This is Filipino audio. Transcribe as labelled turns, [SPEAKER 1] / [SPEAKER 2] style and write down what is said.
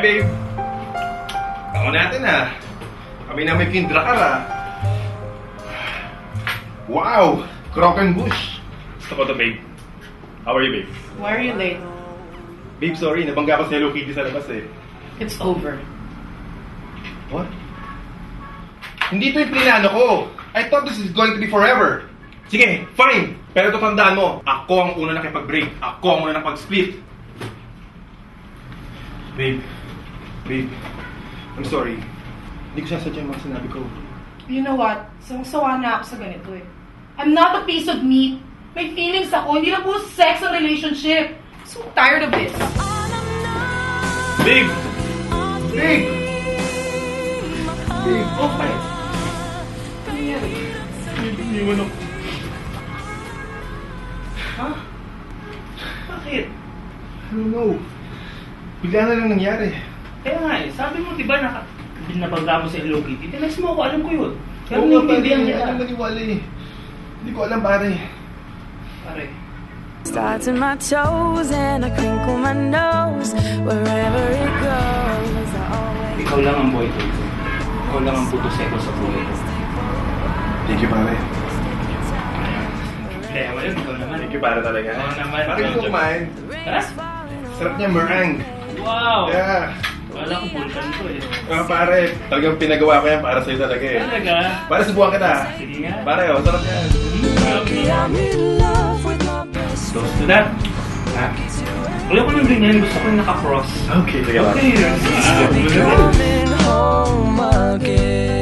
[SPEAKER 1] babe. Ako natin Kami na may kindrakar Wow! Croquembouche. Gusto ko to, babe. How are you, babe?
[SPEAKER 2] Why are you late?
[SPEAKER 1] Babe, sorry. Nabangga ko si Hello Kitty sa labas
[SPEAKER 2] It's over.
[SPEAKER 1] What? Hindi ito yung plinano ko. I thought this is going to be forever. Sige, fine. Pero ito tandaan mo, ako ang una nakipag-break. Ako ang una nakipag-split. Babe. Babe. I'm sorry. Hindi ko sasadya yung mga sinabi ko.
[SPEAKER 2] You know what? Sawa na ako sa ganito I'm not a piece of meat. May feelings ako. Hindi lang puro sex ang relationship. I'm so tired of this.
[SPEAKER 1] Babe! Babe! Babe, okay.
[SPEAKER 2] Ano nangyari?
[SPEAKER 1] Iniwan ako.
[SPEAKER 2] Ha? Bakit?
[SPEAKER 1] I don't know. Bigla na lang nangyari.
[SPEAKER 3] Kaya nga sabi mo diba nabangga mo sa Hello Kitty? Tinext mo ako, alam ko yun. Pero
[SPEAKER 1] Oo nga,
[SPEAKER 3] naiintindihan
[SPEAKER 1] pare.
[SPEAKER 3] kita.
[SPEAKER 1] Alam maniwala Hindi ko alam, pare.
[SPEAKER 3] Pare.
[SPEAKER 4] Starts in my toes and I crinkle my nose wherever it goes. I always
[SPEAKER 3] Ikaw lang ang boy ko. Ikaw lang ang puto seko sa buhay ko.
[SPEAKER 1] Thank you, pare.
[SPEAKER 3] Kaya mo yun, ikaw naman.
[SPEAKER 1] Thank you, pare talaga.
[SPEAKER 3] Oo naman.
[SPEAKER 1] Pare, gusto ko kumain.
[SPEAKER 3] Ha?
[SPEAKER 1] Sarap niya, meringue.
[SPEAKER 3] Wow!
[SPEAKER 1] Yeah.
[SPEAKER 3] Wala ko vulkan ko
[SPEAKER 1] Pare, talagang pinagawa ko yan para sa'yo talaga
[SPEAKER 3] Talaga?
[SPEAKER 1] Pare, subukan kita.
[SPEAKER 3] Sige nga.
[SPEAKER 1] Pare, sarap yan.
[SPEAKER 4] I'm in love with my best
[SPEAKER 3] Close to that. Ha? Wala ko nang ganyan. Gusto ko yung naka-cross.
[SPEAKER 1] Okay, sige, pare.
[SPEAKER 3] Okay.
[SPEAKER 4] friend coming home again.